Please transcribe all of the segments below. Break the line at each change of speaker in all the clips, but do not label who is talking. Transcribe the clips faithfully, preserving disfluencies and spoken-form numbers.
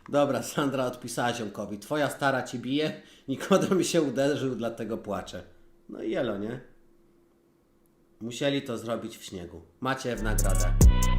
Dobra, Sandra odpisała ziomkowi. Twoja stara ci bije, Nikodem się uderzył, dlatego płacze. No i jelo, nie? Musieli to zrobić w śniegu. Macie w nagrodę.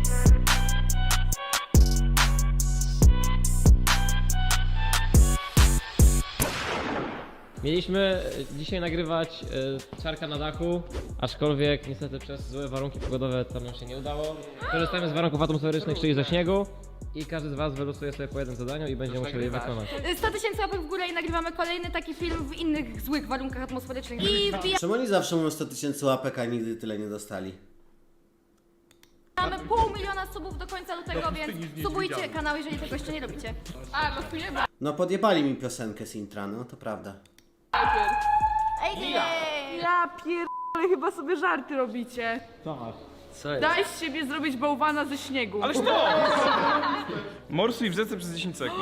Mieliśmy dzisiaj nagrywać y, Czarka na dachu, aczkolwiek niestety przez złe warunki pogodowe to nam się nie udało. Korzystamy z warunków atmosferycznych, czyli ze śniegu. I każdy z was wylosuje sobie po jednym zadaniu i będzie musiał je wykonać.
sto tysięcy łapek w górę i nagrywamy kolejny taki film w innych złych warunkach atmosferycznych. I
Czemu oni zawsze mówią sto tysięcy łapek, a nigdy tyle nie dostali?
wbijamy pół miliona subów do końca lutego, więc subujcie kanał, jeżeli tego jeszcze nie robicie. A, losujemy.
No podjebali mi piosenkę z intra, no to prawda.
Ej, nie!
Ja pierdolę, chyba sobie żarty robicie.
Co masz?
Daj z siebie zrobić bałwana ze śniegu.
Ależ to! Morsuj w rzece przez dziesięć sekund.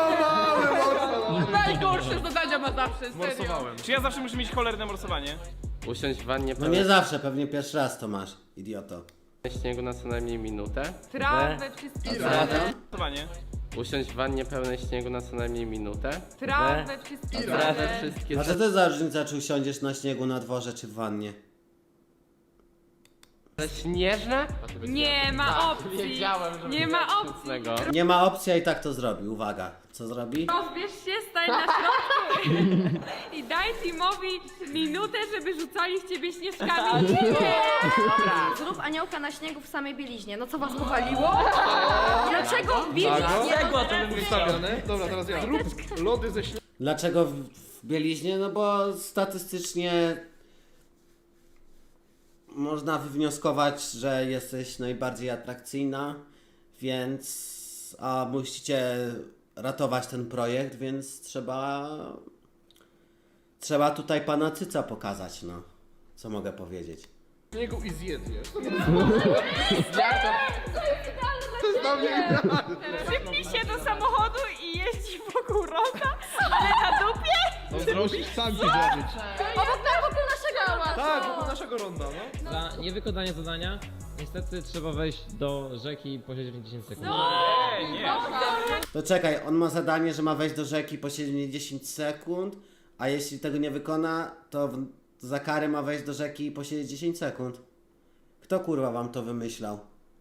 Najgorsze zadania ma zawsze, serio.
Morsowałem. Czy ja zawsze muszę mieć cholerne morsowanie?
Usiąść w wannie
No nie zawsze, pewnie pierwszy raz to masz, idioto.
pełnej śniegu na co najmniej minutę.
Trawę, wszystkie
Morsowanie.
Usiąść w wannie pełnej śniegu na co najmniej minutę.
Trawę, wszystkie
Trawę wszystkie
A co to jest za różnica, czy usiądziesz na śniegu na dworze, czy w wannie?
śnieżne?
Nie ma opcji. Nie ma opcji.
Nie ma opcji, a i tak to zrobi. Uwaga, co zrobi?
Rozbierz się, stań na środku i daj Timowi minutę, żeby rzucali w ciebie śnieżkami.
Zrób aniołka na śniegu w samej bieliźnie. No co was powaliło? Dlaczego w bieliźnie?
Dobra, teraz ja. Zrób lody ze śniegu.
Dlaczego w, w bieliźnie? No bo statystycznie można wywnioskować, że jesteś najbardziej atrakcyjna, więc a musicie ratować ten projekt, więc trzeba trzeba tutaj pana Cyca pokazać, no. Co mogę powiedzieć?
Śniegu i zjedz je.
Przypnij się do samochodu i jeździ wokół roga, ale na dupie?
Musisz sam ci zrobić.
Obok na wokół naszego pałacu.
Tak, wokół naszego ronda, no.
Za niewykonanie zadania niestety trzeba wejść do rzeki i posiedzieć w dziesięć sekund.
Ej, nie.
To czekaj, on ma zadanie, że ma wejść do rzeki, posiedzieć dziesięć sekund, a jeśli tego nie wykona, to w, za karę ma wejść do rzeki i posiedzieć dziesięć sekund. Kto kurwa wam to wymyślał?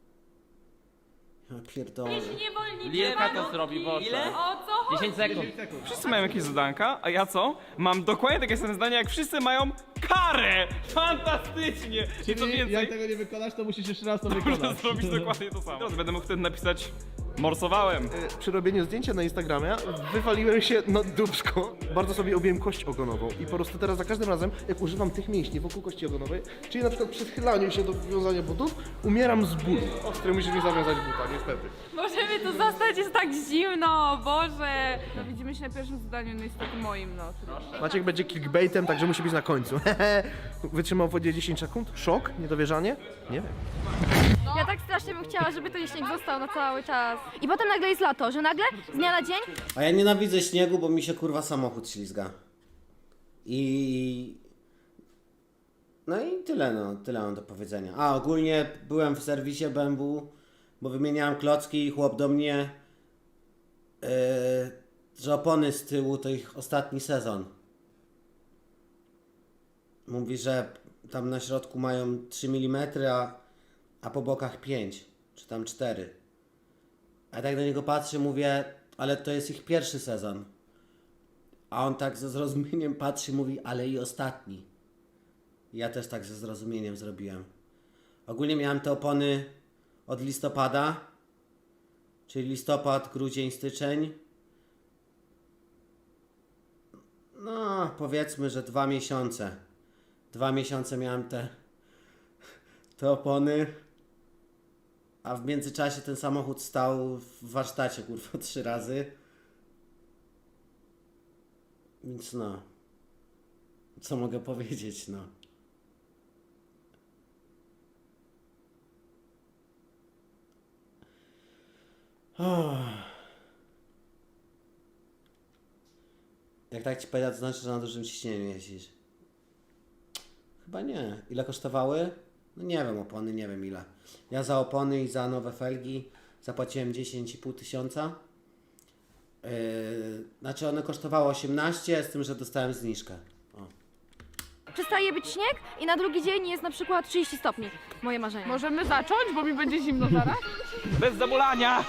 Ja pierdolę.
Niewolnicy
Lilka to zrobi, Boże.
O co chodzi?
dziesięć sekund.
Wszyscy mają jakieś zadanka, a ja co? Mam dokładnie takie same zdania, jak wszyscy mają karę! Fantastycznie! I co
Jak
więcej,
tego nie wykonasz, to musisz jeszcze raz to
można
wykonać.
zrobić dokładnie to samo. Teraz będę mógł wtedy napisać morsowałem.
Przy robieniu zdjęcia na Instagramie wywaliłem się na dupsko. Bardzo sobie objąłem kość ogonową i po prostu teraz za każdym razem, jak używam tych mięśni wokół kości ogonowej, czyli na przykład przy schylaniu się do wiązania butów, umieram z bólu. Ostry musisz mi zawiązać buta, niestety.
Możemy tu zostać, jest tak zimno, Boże. No widzimy się na pierwszym zadaniu, no niestety moim, no.
Maciek będzie clickbaitem, także musi być na końcu. Wytrzymał w wodzie dziesięć sekund? Szok? Niedowierzanie? Nie wiem.
Ja tak strasznie bym chciała, żeby ten śnieg został na cały czas. I potem nagle jest lato, że nagle z dnia na dzień
A ja nienawidzę śniegu, bo mi się kurwa samochód ślizga. I... No i tyle, no, tyle mam do powiedzenia. A ogólnie byłem w serwisie B M W, bo wymieniałem klocki i chłop do mnie, yy, że opony z tyłu to ich ostatni sezon. Mówi, że tam na środku mają trzy milimetry, a, a po bokach pięć, czy tam cztery. A ja tak na niego patrzę, mówię, ale to jest ich pierwszy sezon. A on tak ze zrozumieniem patrzy, mówi, ale i ostatni. I ja też tak ze zrozumieniem zrobiłem. Ogólnie miałem te opony od listopada, czyli listopad, grudzień, styczeń. No, powiedzmy, że dwa miesiące. Dwa miesiące miałem te, te opony. A w międzyczasie ten samochód stał w warsztacie, kurwa, trzy razy. Więc no. Co mogę powiedzieć, no. Oh. Jak tak ci powiedzieć, to znaczy, że na dużym ciśnieniu jeździsz. Chyba nie. Ile kosztowały? No nie wiem, opony, nie wiem ile. Ja za opony i za nowe felgi zapłaciłem dziesięć i pół tysiąca. Yy, znaczy one kosztowały osiemnaście, z tym, że dostałem zniżkę. O.
Przestaje być śnieg i na drugi dzień jest na przykład trzydzieści stopni. Moje marzenie.
Możemy zacząć, bo mi będzie zimno zaraz?
Bez zamulania!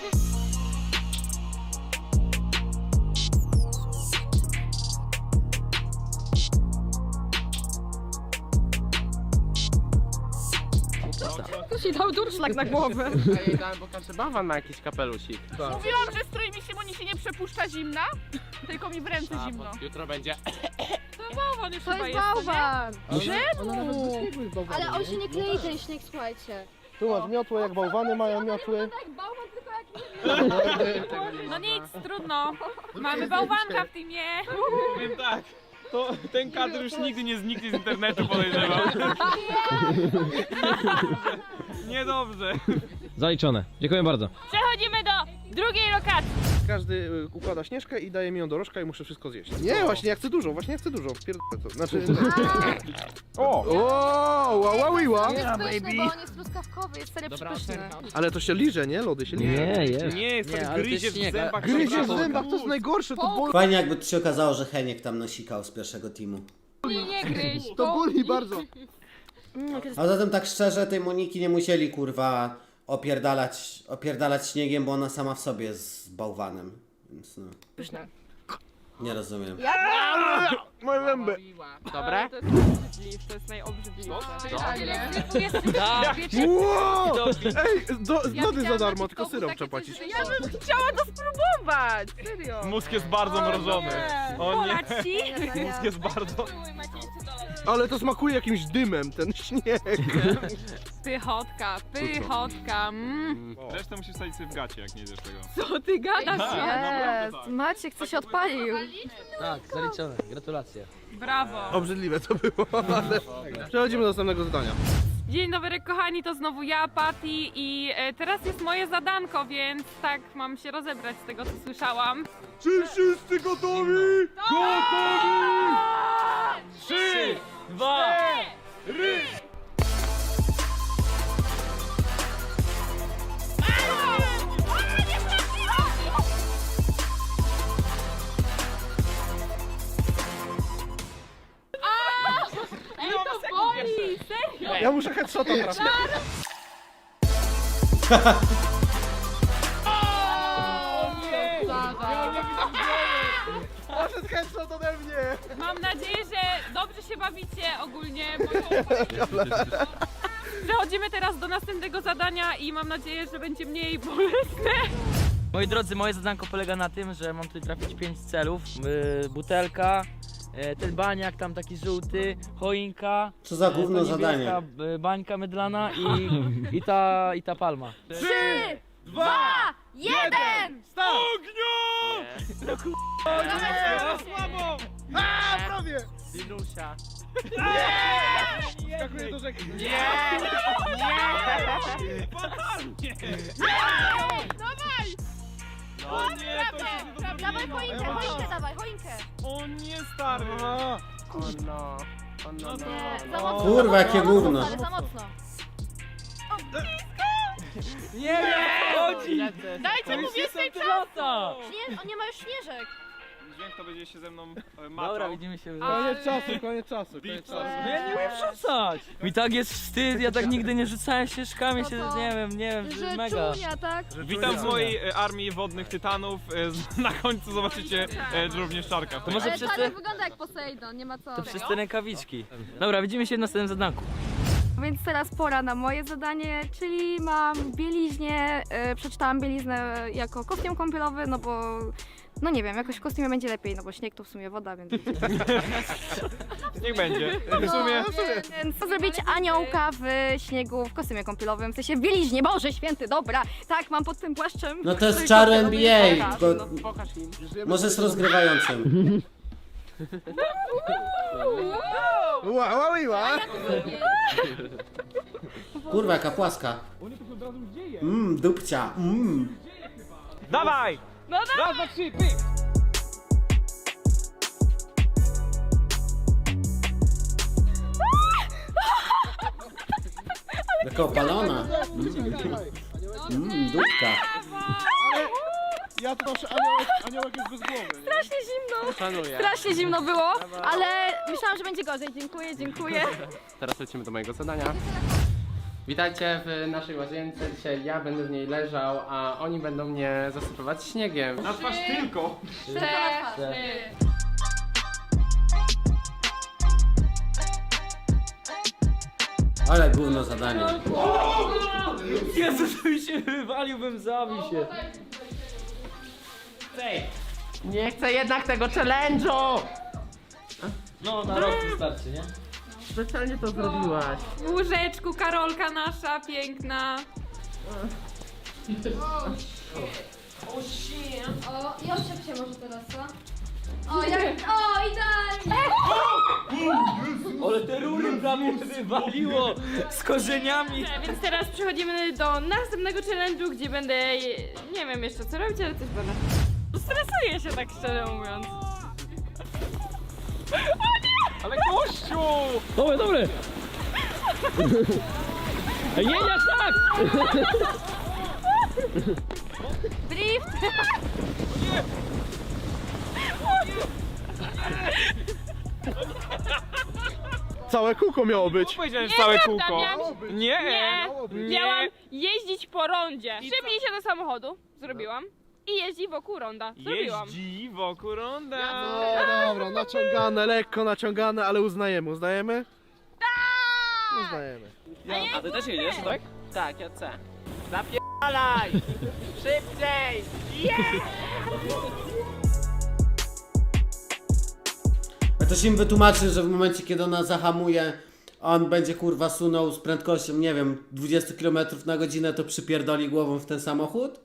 Ktoś jej dał durszlak na głowę.
Ja jej dałem, bo każdy bałwan ma jakiś kapelusik.
Mówiłam, że strój mi się, bo nie się nie przepuszcza zimna, tylko mi w ręce
A,
zimno.
bo jutro będzie.
To bałwan już
To
chyba
jest
jest, to nie?
bałwan!
Czemu?
Ale on się nie klei ten śnieg, słuchajcie.
Tu masz miotłę, jak bałwany mają miotły.
Tak, bałwan tylko jak
No nic, trudno. Mamy bałwanka w teamie.
Powiem tak, to ten kadr już nigdy nie zniknie z internetu, podejrzewam. Niedobrze.
Zaliczone. Dziękuję bardzo.
Przechodzimy do drugiej lokacji.
Każdy y, układa śnieżkę i daje mi ją do rożka i muszę wszystko zjeść. Nie, właśnie ja chcę dużo, właśnie ja chcę dużo. Pierdolę to. Znaczy...
O!
O, wow, wow, wow.
jest pyszny, bo on jest truskawkowy, jest serio przepyszny.
Ale to się liże, nie? Lody się liże.
Nie, jest.
Nie, jest tak gryzie w zębach.
Gryzie w zębach, to jest najgorsze, to boli.
Fajnie jakby to się okazało, że Heniek tam nasikał z pierwszego teamu.
Nie, nie gryź.
To boli bardzo.
A zatem tak szczerze, tej Moniki nie musieli kurwa opierdalać, opierdalać śniegiem, bo ona sama w sobie jest bałwanem. Więc no.
Pyszne.
Nie rozumiem.
Moje zęby.
Dobre?
To jest najobrzydliwsze, to jest najobrzydliwsze.
Wow! Ej, do, lody za
widziałam
darmo,
na
tylko
TikToku
syrop
takie
trzeba płacić.
coś, że Ja bym chciała to spróbować, serio.
Mózg jest bardzo mrożony. O nie,
Polać ci?
mózg jest bardzo...
Ale to smakuje jakimś dymem, ten śnieg.
Pychotka, pychotka. Mm.
Resztę musisz wsadzić sobie w gacie, jak nie jedziesz tego.
Co ty gadasz?
Jest, Maciek coś odpalił.
Tak, zaliczone. Gratulacje.
Brawo.
Obrzydliwe to było, ale... Przechodzimy do następnego zadania.
Dzień dobry kochani, to znowu ja, Patty i e, teraz jest moje zadanko, więc tak mam się rozebrać z tego co słyszałam.
Czy wszyscy gotowi? Gotowi! Trzy, dwa, ry!
Ej, to boli, serio?
Ja muszę headshota trafić. Poszedł headshot ode mnie.
Mam nadzieję, że dobrze się bawicie ogólnie. Bo... Przechodzimy teraz do następnego zadania i mam nadzieję, że będzie mniej bolesne.
Moi drodzy, moje zadanko polega na tym, że mam tutaj trafić pięć celów. Yy, butelka, yy, ten baniak tam taki żółty, choinka.
Co za
yy,
gówno
ta
zadanie.
niebieska, yy, bańka mydlana i, i, ta, i ta palma.
Trzy, dwa, jeden!
Ogniu! Słabo!
A, prawie.
Dilusia.
Skakuję do rzeki.
Nie! Nie! Fatalnie!
Dawaj!
O nie, to się nie
Dawaj choinkę, choinkę dawaj, choinkę.
O nie, stary!
O no. O no, no,
Nie,
no.
za mocno.
Kurwa, jakie
za mocno,
gówno.
stary, za mocno.
Nie, chodzi!
Dajcie mu więcej
Lata!
Śnie... On nie ma już śnieżek.
Dźwięk to będzie się ze mną e, maczał.
Dobra, widzimy się.
Koniec czasu, koniec czasu, koniec
Beat
czasu.
No ja nie umiem rzucać! Mi tak jest wstyd, ja tak nigdy nie rzucałem ścieżkami,
No
się,
to-
nie wiem, nie wiem,
Że
mega.
czunia, tak?
Witam z mojej e, armii wodnych tytanów. E, z- Na końcu zobaczycie e, również Czarka.
To może
Ale
przez
Tadek
te,
wygląda jak Poseidon, nie ma co.
to przez te rękawiczki. Dobra, widzimy się w następnym zadanku.
Więc teraz pora na moje zadanie, czyli mam bieliźnię, yy, przeczytałam bieliznę jako kostium kąpielowy, no bo, no nie wiem, jakoś w kostiumie będzie lepiej, no bo śnieg to w sumie woda, więc...
Niech będzie. W sumie.
Więc co zrobić aniołka w śniegu w kostiumie kąpielowym, w sensie w bieliźnie, Boże Święty, dobra, tak, mam pod tym płaszczem.
No to jest
który
czar
kąpielowy
N B A,
jest pokaż,
tylko
no.
Pokaż im.
może z rozgrywającym.
Wow, wow, wow.
Kurwa, jaka płaska. Mmm, dupcia, mmm.
Dawaj!
No
Raz, dwa, trzy, pyk!
Jaka opalona. Mmm, dupka.
Ja to proszę, aniołek, aniołek jest bez głowy. Nie?
Strasznie zimno.
Szanuję.
Strasznie zimno było, ale myślałam, że będzie gorzej. Dziękuję, dziękuję.
Teraz lecimy do mojego zadania. Witajcie w naszej łazience. Dzisiaj ja będę w niej leżał, a oni będą mnie zasypywać śniegiem.
Na twarz tylko.
Ale gówno zadanie.
Jezu, to mi się wywaliłbym, zabił się.
Nie chcę jednak tego challenge'u!
No, na rok wystarczy, nie?
Specjalnie to zrobiłaś.
W łóżeczku Karolka nasza, piękna.
O, i oczep się może teraz, co? O, jak... O, idealnie!
Ale te rury prawie wywaliło z korzeniami.
Więc teraz przechodzimy do następnego challenge'u, gdzie będę, nie wiem jeszcze co robić, ale coś będę. Stresuję się tak szczerze mówiąc.
Ale gościu!
Dobry, dobry! Ej, nie, nie, tak!
Drift!
Całe kółko miało być.
Powiedziałem, że całe
Nieprawda,
kółko.
miałam-
Nie,
Nie, miałam jeździć po rondzie. Szybnij się do samochodu, zrobiłam. I jeździ wokół ronda, zrobiłam.
Jeździ wokół ronda.
No dobra, naciągane, lekko naciągane, ale uznajemy, uznajemy? Tak! Uznajemy.
A ty też jedziesz, tak?
Tak, ja chcę. Zapierdalaj! Szybciej!
A to się im wytłumaczy, że w momencie, kiedy ona zahamuje, on będzie kurwa sunął z prędkością, nie wiem, dwadzieścia kilometrów na godzinę, to przypierdoli głową w ten samochód?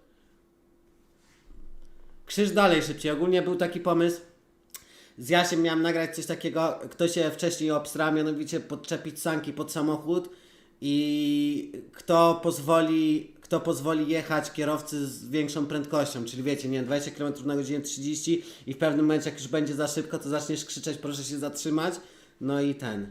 Krzyż dalej szybciej. Ogólnie był taki pomysł. Z Jasiem miałem nagrać coś takiego, kto się wcześniej obstra, mianowicie podczepić sanki pod samochód i kto pozwoli, kto pozwoli jechać kierowcy z większą prędkością, czyli wiecie, nie wiem, dwadzieścia kilometrów na godzinę, trzydzieści i w pewnym momencie, jak już będzie za szybko, to zaczniesz krzyczeć, proszę się zatrzymać, no i ten.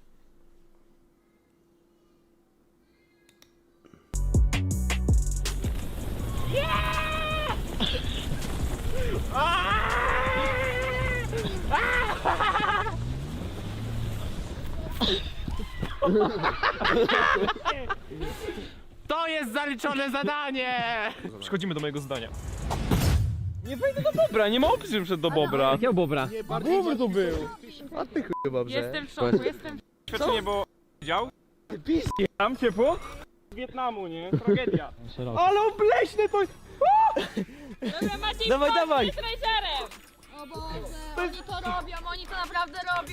To jest zaliczone zadanie!
Przechodzimy do mojego zdania. Nie wejdę do Bobra, nie ma opcji, że wszedł do Bobra.
Jakiego bobra?
Bobr to był. A ty chyba brze.
Jestem w szoku, jestem w
Świadczenie, bo widział? Tam ciepło? Z Wietnamu, nie? Tragedia. Ale obleśne to jest!
Dobra, Maciej,
Dawaj,
chodź,
dawaj.
z trailerem.
O Boże, oni to robią, oni to naprawdę robią.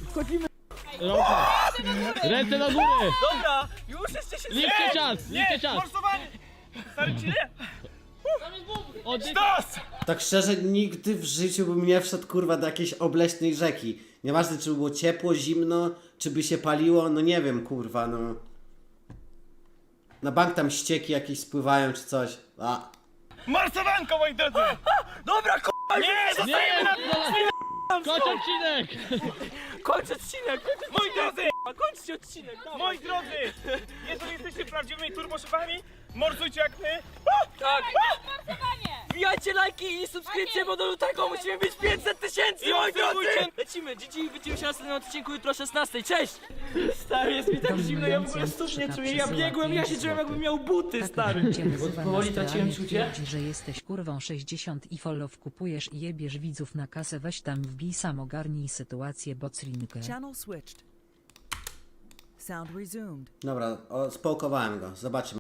Ręce na górę!
Dobra, już jesteście
Liczcie czas, liczcie czas!
Forsowanie! Starczy nie?
Oddych.
Stos!
Tak szczerze, nigdy w życiu bym nie wszedł kurwa do jakiejś obleśnej rzeki. Nieważne, czy by było ciepło, zimno, czy by się paliło, no nie wiem, kurwa, no. Na bank tam ścieki jakieś spływają, czy coś. A.
Marsowanko, moi drodzy!
Dobra, k***a,
Nie, zostajemy na...
Kończ odcinek!
kończ odcinek!
Moi drodzy!
Kończcie odcinek! dawaj.
Moi drodzy! Jeżeli jesteście prawdziwymi turboszefami, morsujcie jak my!
Tak! Wbijajcie lajki i subskrypcje, bo do lutego musimy mieć pięćset tysięcy,
I
moi drodzy!
obserwujcie.
Lecimy, Gigi, widzimy się na następnym odcinku jutro o szesnastej, cześć! Stary, jest mi tak zimno, ja w ogóle stóp nie czuję, ja biegłem, ja się czułem jakbym miał buty, stary! Powoli traciłem czucie.
Że jesteś kurwą sześćdziesiąt i follow kupujesz i jebiesz widzów na kasę, weź tam wbij sam, ogarnij sytuację, bocrinkę.
Channel switched. Sound resumed.
Dobra, o, spałkowałem go. Zobaczymy.